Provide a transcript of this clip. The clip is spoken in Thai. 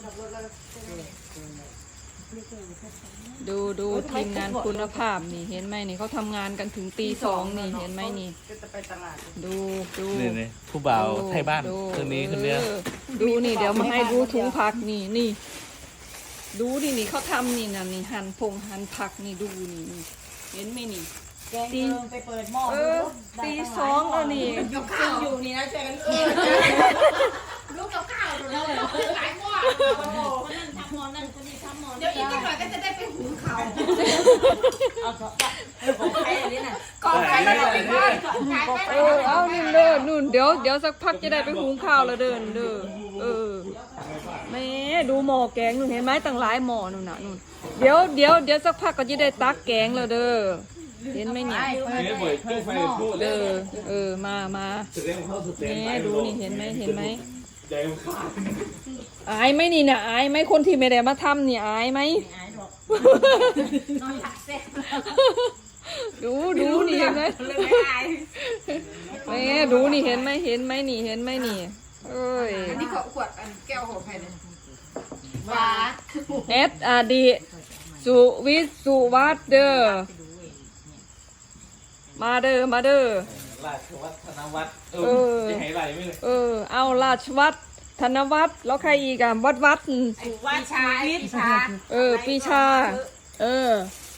ดูทีมงานคุณภาพนี่เห็นไหมนี่เขาทำงานกันถึงตี 2นี่เห็นไหมนี่ดูนี่ผู้บ่าวไทยบ้านคืนนี้คืนเนี้ยดูนี่เดี๋ยวมาให้ดูถุงผักนี่ดูนี่เขาทำนี่นะนี่หั่นผักนี่ดูนี่เห็นไหมนี่ตีไปเปิดหม้อตี 2แล้วนี่กับข้าวอยู่นี่นะช่วยกันลูกกับข้าวเราหลายหม้อนั่นทำหม้อนั่นคนนี้ทำหม้อเดี๋ยวอีกหน่อยก็จะได้ไปหุงข้าวของใครอันนี้น่ะก่อนไปแล้วไปบ้านเอานี่เดินนู่นเดี๋ยวสักพักจะได้ไปหุงข้าวแล้วเดินแม่ดูหม้อแกงนู่นเห็นไหมตั้งหลายหม้อนู่นน่ะนู่นเดี๋ยวสักพักก็จะได้ตักแกงแล้วเด้อเห็นไหมเนี่ยมาแม่ดูนี่เห็นไหมอายไหมนี่นะอายไหมคนที่ไม่ได้มาทำนี่อายไหมดูนี่เห็นไหมแม่ดูนี่เห็นไหมนี่เห็นไหมนี่เอ้ยอันนี้ขวดแก้วของใครเนี่ยว้า SD สุวิทย์สุวัฒน์เด้อมาเด้อราชวัฒนวัฒน์จะให้ไรไม่เลยเอาราชวัฒน์ธนวัฒน์แล้วใครอีกอะวัดปีชาปีชา